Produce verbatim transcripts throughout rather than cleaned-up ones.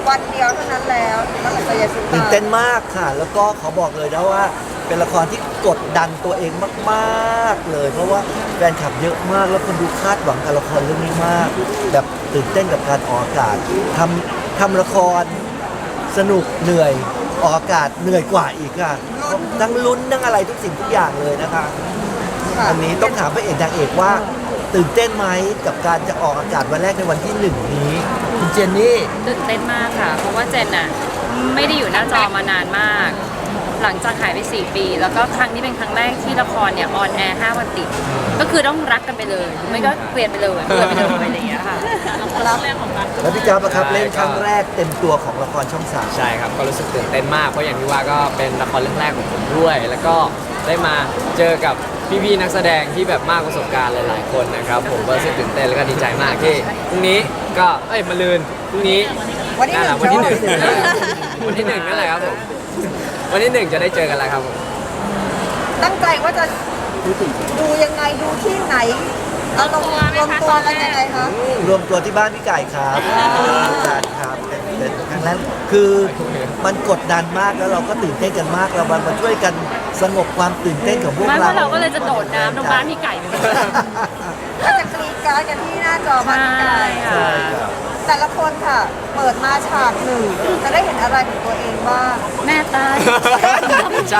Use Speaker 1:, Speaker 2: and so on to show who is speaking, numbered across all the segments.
Speaker 1: วันเดียวเท่านั้นแล้วตั้งแต่จะยาสุ
Speaker 2: ตื่น
Speaker 1: ตา
Speaker 2: เต้นมากค่ะ แล้วก็ขอบอกเลยนะว่า เป็นละครที่กดดันตัวเองมากๆเลย เพราะว่าแฟนคลับเยอะมากแล้วคนดูคาดหวังกับละครเรื่องนี้มาก แบบตื่นเต้นกับการออกอากาศทำทำละครสนุกเหนื่อยออกอากาศเหนื่อยกว่าอีกค่ะทั้งลุ้นทั้งอะไรทุกสิ่งทุกอย่างเลยนะคะ
Speaker 1: ค่ะ
Speaker 2: อันนี้ต้องถามพระเอกนางเอกว่า ตื่นเต้นไหมกับการจะออกอากาศวันแรกในวันที่หนึ่งนี้คุณเจนนี่
Speaker 3: ตื่นเต้นมากค่ะ เพราะว่าเจนน่ะไม่ได้อยู่หน้าจอมานานมาก หลังจากหายไปสี่ปี แล้วก็ครั้งนี้เป็นครั้งแรกที่ละครเนี่ยออนแอร์ห้าวันติด ก็คือต้องรักกันไปเลยหรือไม่ก็เปลี่ยนไปเลยเปลี่ยนไปเลยอะไรอย่างเงี้ยค่ะ
Speaker 1: รับ
Speaker 2: แล้วพี่จ๊าบอะครับเล่นครั้งแรกเต็มตัวของละครช่องสาม
Speaker 4: ใช่ครับ ก็รู้สึกตื่นเต้นมาก เพราะอย่างที่ว่าก็เป็นละครเรื่องแรกของผมด้วย แล้วก็ได้มาเจอกับพี่ๆนักแสดงที่แบบมากประสบการณ์หลายๆคนนะครับ ผมก็รู้สึกตื่นเต้นแล้วก็ดีใจมากที่พรุ่งนี้ก็เอ้ยมะรืนพรุ่งนี้
Speaker 1: วันที่ห
Speaker 4: นั่นแห
Speaker 1: นึ่
Speaker 4: ละ
Speaker 1: ง
Speaker 4: วันที่หนึ่ง
Speaker 1: ใช่ไหม
Speaker 4: วันที่หนึ่งนั่นแหละครับผมวันที่หนึ่งจะได้เจอกันแล้วครับผม
Speaker 1: ตั้งใจว่าจะดูยังไงดูที่ไหนเอาลงรวมตัวกันยังไงคะ
Speaker 2: รวมตัวที่บ้านพี่ไก่ครับการครับเป็นครั้งแรกคือมันกดดันมากแล้วเราก็ตื่นเต้นกันมากเรามาช่วยกันสงบความตื่นเต้นของพวก
Speaker 3: ไม่
Speaker 2: เรา
Speaker 3: ว่าเราก็เลยจะโดดน้ำลงบ้านพี่ไก่ไปเลย
Speaker 1: ก็จะกรีดกรารกันที่หน้าจอบ้านพี่ไก่
Speaker 3: ใช่
Speaker 2: ใช่ครับ
Speaker 1: แต่ละคนค่ะ เปิดมาฉากหนึ่งจะได้เห็นอะไรของตัวเองบ้าง
Speaker 3: แม่ตาย
Speaker 4: ใช่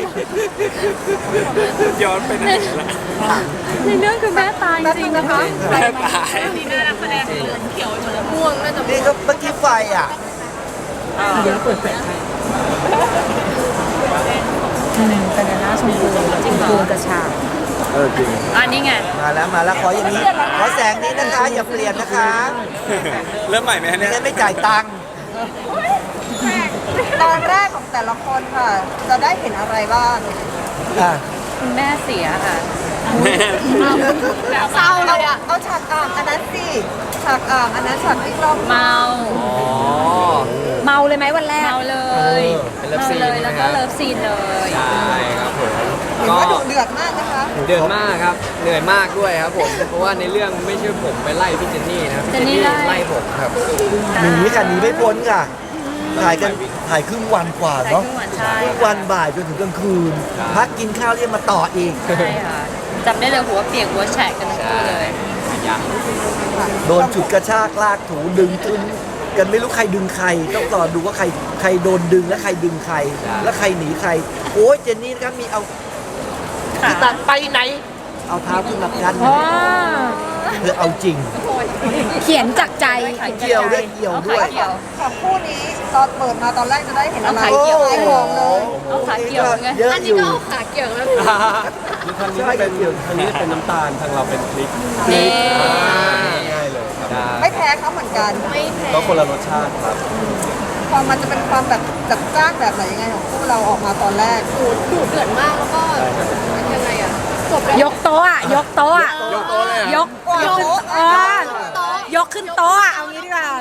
Speaker 5: ย้อนไปไหนละ
Speaker 3: ในเรื่องคือแม่ตายจ
Speaker 1: แป๊บ
Speaker 3: ริ
Speaker 1: นึ
Speaker 3: ง
Speaker 1: งนะคะ
Speaker 5: แม่ตาย
Speaker 2: นี่ก็เมื่อกี้ไฟอ่ะ
Speaker 3: แต่ในหน้าชมพูจริงเหรอกระชาก
Speaker 2: เออจริง
Speaker 3: อันนี้ไง
Speaker 2: มาแล้วมาแล้วขออย่างนี้ขอแสงนี้นะคะอย่าเปลี่ยนนะคะ
Speaker 5: เริ่มใหม่ไหมฮะ
Speaker 2: ไม่
Speaker 5: เนี่ย
Speaker 2: งั้นไม่จ่ายตังค์
Speaker 1: ตอนแรกของแต่ละคนค่ะ จะได้เห็นอะไรบ้าง
Speaker 2: อ่ะ
Speaker 3: คุณแม่เสียค่ะ
Speaker 1: เศร้าเลยอ่ะเอาฉากอ่างอันนั้นสิฉากอ่างอันนั้นฉากที่กล้อง
Speaker 3: เมา
Speaker 4: อ๋อ
Speaker 1: เมาเลยไหมวันแรก
Speaker 3: เมาเลย
Speaker 4: เป็นเลิฟ
Speaker 3: เมา
Speaker 4: ซีน
Speaker 3: เลย
Speaker 4: ใช่ไหม
Speaker 3: แล้ว
Speaker 4: ครั
Speaker 3: ก็
Speaker 4: บ
Speaker 3: เลิฟซีนเลย
Speaker 4: ใช่ครับผม
Speaker 1: เห็น
Speaker 4: ก็
Speaker 1: ว่าดุเดือดมากนะคะ
Speaker 4: เดือดมากครับ เหนื่อยมากด้วยครับผม เพราะว่าในเรื่องไม่ใช่ผมไปไล่พี่เจนนี่นะครับพี่เจนนี่ไล่ผมครับ
Speaker 2: หนีค่ะหนีไม่พ้นค่ะ ถ่ายกันถ่ายครึ่งวันกว่า
Speaker 3: ใช่
Speaker 2: เนาะ
Speaker 3: ครึ่งวันใช่
Speaker 2: ครึ่งวันบ่ายจนถึงกลางคืน พักกินข้าวเรียกมาต่ออีก
Speaker 3: ใช่ค่ะจำได้เลยหัวเปียกหัวแฉกกันทั้งคู่เลย
Speaker 2: โดนฉุดกระชากลากถูดึงทึนกันไม่รู้ใครดึงใคร ต้องรอดูว่าใครใครโดนดึงและใครดึงใคร
Speaker 4: ใช่
Speaker 2: และใครหนีใคร โอ้ยเจนนี่นะครับมีเอาพี่ตัดไปไหน เอาเท้าขึ้นมากันเพื่อเอาจริง
Speaker 6: เขียนจากใจ
Speaker 2: เกี่ยวด้วยเกี่ยวด้วย
Speaker 3: เกี่ยว
Speaker 1: ของคู่นี้ตอนเปิดมาตอนแรกจะได้เห็นอะไร
Speaker 3: เอาขาเกี่ยว
Speaker 1: ขายของเลย
Speaker 3: เอาขาเกี่ยวไง
Speaker 2: เยอะอยู่
Speaker 6: ขาเกี่ยวแล้ว
Speaker 5: ทางนี้เป็นทางนี้เป็นน้ำตาลทางเราเป็นพริก
Speaker 3: นี่
Speaker 5: ง่ายเลยครับ
Speaker 4: ได้
Speaker 1: ไม่แพ้เขาเหมือนกัน
Speaker 5: ก็คนละรสชาติครับ
Speaker 1: ความมันจะเป็นความแบบจัดจ้านแบบไหนยังไงของคู่เราออกมาตอนแรกดูดูเดือดมากแล้วก็ยังไงอ่ะจบแล้ว
Speaker 6: ยกโต๊ะอะยกโต๊ะอะ
Speaker 5: ยกโต๊ะเลยอะ
Speaker 6: ยกยกขึ้นเออยกขึ้นโต๊ะอะเอางี้ดีกว่า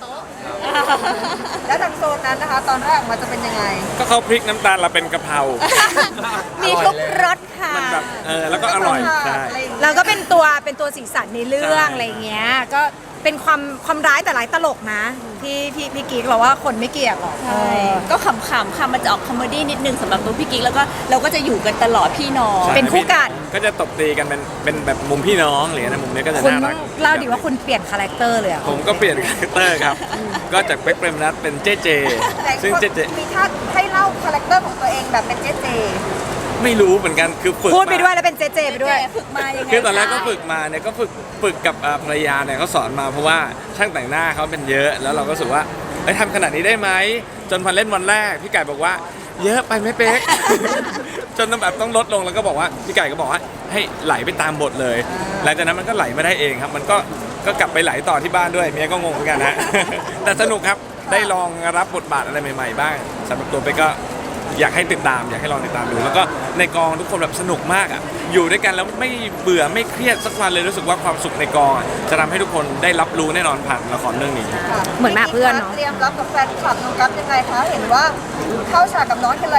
Speaker 1: แล้วทางโซนนั้นนะคะ ตอนแรกออกมาจะเป็นยังไง
Speaker 5: ก็เขาพริกน้ำตาลเราเป็นกะเพรา
Speaker 6: มีทุกรสค่ะ
Speaker 5: มันแบบเออแล้วก็อร่อยใช่
Speaker 6: เราก็เป็นตัวเป็นตัวสีสันในเรื่อง
Speaker 5: ใช่
Speaker 6: อะไรเงี้ย ก็เป็นความความร้ายแต่ร้ายตลกนะ ที่พี่พี่กิ๊กเราว่าคนไม่เกลียดหรอก
Speaker 7: ใช่ก็ขำๆค่ะมันจะออกคอมเมดี้นิดนึงสำหรับตัวพี่กิ๊กแล้วก็เราก็จะอยู่กันตลอดพี่น้อง
Speaker 5: ใช่
Speaker 6: เป็นคู่กัด
Speaker 5: ก็จะตบตีกันเป็นเป็นแบบมุมพี่น้องอะไรเงี้ยนะมุมนี้ก็จะ
Speaker 6: คุณ
Speaker 5: น่ารัก
Speaker 6: เล่าดิว่าคุณเปลี่ยนคาแรคเตอร์เลยอะ
Speaker 5: ผมก็เปลี่ยนคาแรคเตอร์ครับ ก็จากเป๊กเปรมนัทเป็นเจเจ
Speaker 1: แต่
Speaker 5: ซึ่ง
Speaker 1: คน
Speaker 5: เจเจ
Speaker 1: มีท่าให้เล่าคาแรคเตอร์ของตัวเองแบบเป็นเจเจ
Speaker 5: ไม่รู้เหมือนกันคือฝึก
Speaker 6: พูดไป
Speaker 5: มา
Speaker 6: ด้วยแล้วเป็นเจเจไปด้วย
Speaker 7: ฝึกมายังไง
Speaker 5: คือตอนแรกก็ฝึกมาเนี่ยก็ฝึกฝึกกับอ่าภรรยาเนี่ยเขาสอนมาเพราะว่าช่างแต่งหน้าเขาเป็นเยอะแล้วเราก็รู้สึกว่าเอ้ยทำขนาดนี้ได้ไหมจนพอเล่นวันแรกพี่ไก่บอกว่า เยอะไปไหมเป๊ก จนต้องแบบต้องลดลงแล้วก็บอกว่าพี่ไก่ก็บอกว่าให้ไหลไปตามบทเลย หลังจากนั้นมันก็ไหลมาได้เองครับ มันก็ก็กลับไปไหลต่อที่บ้านด้วยเมียก็งงเหมือนกันฮะ แต่สนุกครับได้ลองรับบทบาทอะไรใหม่ๆบ้างสำหรับตัวเป๊กก็ อยากให้ติดตามอยากให้ลองติดตามดูแล้วก็ในกองทุกคนแบบสนุกมากอ่ะอยู่ด้วยกันแล้วไม่เบื่อไม่เครียดสักวันเลยรู้สึกว่าความสุขในกองอะจะทำให้ทุกคนได้รับรู้แน่นอนผ่านละครเรื่องนี้
Speaker 1: ค่ะ
Speaker 6: เหมือนมาเพื่อนเนอะ
Speaker 1: เตรียมรับกับแฟนคลับน้องกัฟยังไงคะ เห็นว่าเข้าฉากกับน้องทีไรก็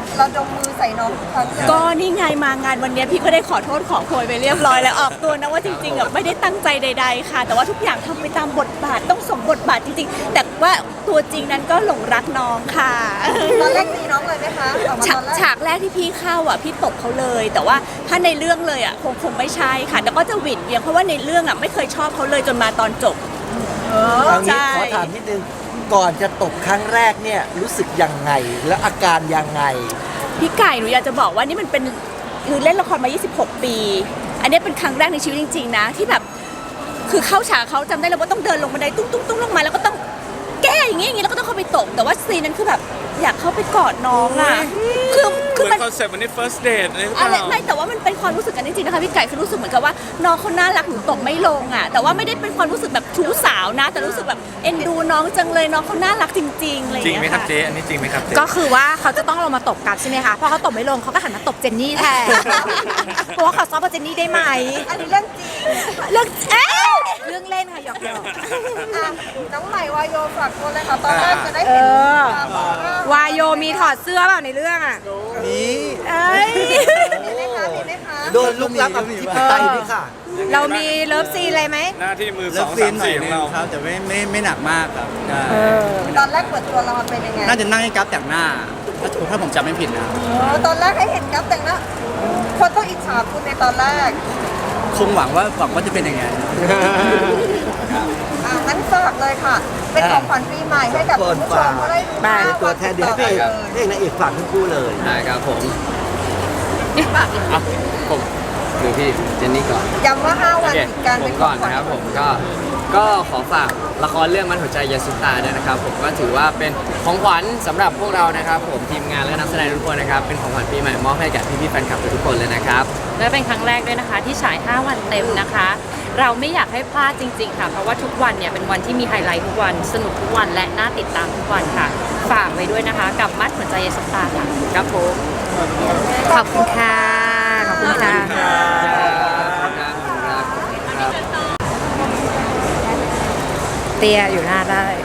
Speaker 1: เราดมมือใส่น้องทุกครั้งเลย
Speaker 7: ก็นี่ไงมางานวันเนี้ยพี่ก็ได้ขอโทษขอโพยไปเรียบร้อยแล้วออกตัวนะว่าจริงๆอ่ะไม่ได้ตั้งใจใดๆค่ะ แต่ว่าทุกอย่างทำไปตามบทบาทต้องสมบทบาทจริงๆ แต่ว่าตัวจริงนั้นก็หลงรักน้องค่ะ
Speaker 1: ตอนแรกตีน้องเลยไหมคะออกมา
Speaker 7: ฉา
Speaker 1: ตอก นแรก
Speaker 7: ฉากแรกที่พี่เข้าอ่ะพี่ตบเขาเลย แต่ว่าถ้าในเรื่องเลยอ่ะคงคงไม่ใช่ค่ะแต่ก็จะหวิดเวียงเพราะว่าในเรื่องอ่ะไม่เคยชอบเขาเลยจนมาตอนจบ
Speaker 2: เอางี้
Speaker 7: ใช่
Speaker 2: ขอถามนิดนึงก่อนจะตบครั้งแรกเนี่ยรู้สึกยังไงและอาการยังไง
Speaker 7: พี่ไก่หนูอยากจะบอกว่านี่มันเป็นคือเล่นละครมา ยี่สิบหก ปี อันนี้เป็นครั้งแรกในชีวิตจริงๆนะที่แบบคือเข้าฉากเขาจำได้เลยว่าต้องเดินลงบันไดตุ้งตุ้งตุ้งลงมาแล้วก็ต้องแก้อย่างงี้อย่างงี้แล้วก็ต้องเข้าไปตบแต่ว่าซีนนั้นคือแบบอยากเข้าไปกอดน้องอ่ะคือ
Speaker 5: เห
Speaker 7: คือ
Speaker 5: มือ
Speaker 7: มัน
Speaker 5: นคอนเซ็ปต์วันนี้ first date อะไรหรือเป
Speaker 7: อะไร
Speaker 5: ล่า
Speaker 7: ไม่แต่ว่ามันเป็นความรู้สึกกันจริงๆนะคะพี่ไก่คือรู้สึกเหมือนกับว่าน้องเขาน่ารักหนูตบไม่ลงอ่ะแต่ว่าไม่ได้เป็นความรู้สึกแบบชู้สาวนะ แต่รู้สึกแบบเอ็นดูน้องจังเลยน้องเขาน่ารักจริงๆอะไรอย่าง
Speaker 5: จริง
Speaker 7: เงี้ย
Speaker 5: ไหมครับ
Speaker 7: ค่ะ
Speaker 5: เจ๊อันนี้จริงไหมครับเจ๊
Speaker 6: ก็คือว่าเขาจะต้องลงมาตบกลับใช่ไหมคะพอเขาตบไม่ลงเขาก็หันมาตบเจนนี่แทนเพราะว่าเขาซ้อมกับเจนนี่ได้ไหม
Speaker 1: อันนี้เรื่องจริง
Speaker 6: เรื่องเอ๊ะเรื่องเล่นค่ะหยอกหยอก
Speaker 1: อ่ะน้องใหม่วายโยฝากตัวเลยค่ะตอนแรกจะได้
Speaker 6: เอ
Speaker 1: เห็น
Speaker 6: อ
Speaker 1: ความออร่าว
Speaker 6: ายโยมีถอดเสื้อเปล่าในเรื่องอ่ะ
Speaker 2: นี่
Speaker 6: เอ้ย
Speaker 1: มีไหมคะมีไหมคะ
Speaker 2: โดนลุกลับอธิปไตยด้วยค่ะ
Speaker 6: เรามีเลิฟซีนอะไรไหม
Speaker 5: หน้าที่มือส
Speaker 8: เลิ
Speaker 5: อ
Speaker 8: ฟ
Speaker 5: ง
Speaker 8: ซี
Speaker 5: สาน ม
Speaker 8: หน่อย
Speaker 5: สี่ข
Speaker 8: นึ
Speaker 5: อง
Speaker 8: ง
Speaker 5: เรา
Speaker 8: ครับแต่ไม่ไม่ไม่หนักมากครับใช่
Speaker 1: ตอนแรกเปิดตัวละครเป็นยังไง
Speaker 8: น่าจะนั่งให้กราฟแต่งหน้า ถ้าถูกถ้าผมจำไม่ผิดนะ
Speaker 1: เออตอนแรกให้เห็นกั๊บแต่งหน้าคนต้องอิจฉาคุณในตอนแรก
Speaker 8: คงหวังว่าหวังว่าจะเป็นอย่างไง
Speaker 1: อ่ะงั้นฝากเลยค่ะ เป็นของขวัญปีใหม่ให้กับคุณผู้ชมก็ได้ดู
Speaker 6: ไป
Speaker 1: หน้า
Speaker 2: ตัวแทนเดี๋ยวให้พระเอกพระเอกนางเอกฝากทั้งคู่เลย
Speaker 4: ได้ครับผมอ่ะผมหรือพี่เจนนี่ก่อน
Speaker 1: ย้ำว่าห้า
Speaker 4: โอ
Speaker 1: วัน
Speaker 4: เค
Speaker 1: ติดกัน
Speaker 4: ผ
Speaker 1: เป็
Speaker 4: ม
Speaker 1: นข
Speaker 4: ก่
Speaker 1: อ
Speaker 4: อง น
Speaker 1: ขวัญ
Speaker 4: นะครับผมก็ก็ขอฝากละครเรื่องมันหัวใจยาสุตาด้วยนะครับผมก็ถือว่าเป็นของขวัญสำหรับพวกเรานะครับผมทีมงานและนักแสดงทุกคนนะครับเป็นของขวัญปีใหม่มอบให้แก่พี่ๆแฟนคลับทุกคนเลยนะครับ
Speaker 3: และเป็นครั้งแรกด้วยนะคะที่ฉาย ห้า วันเต็มนะคะ เราไม่อยากให้พลาดจริง ๆ ค่ะ เพราะว่าทุกวันเนี่ยเป็นวันที่มีไฮไลท์ทุกวันสนุกทุกวันและน่าติดตามทุกวันค่ะ ฝากไว้ด้วยนะคะ กับมัดหัวใจยาสุตาค่ะครับผม
Speaker 6: ขอบคุณค่ะ ขอบคุณค่ะ เตียอยู่หน้าได้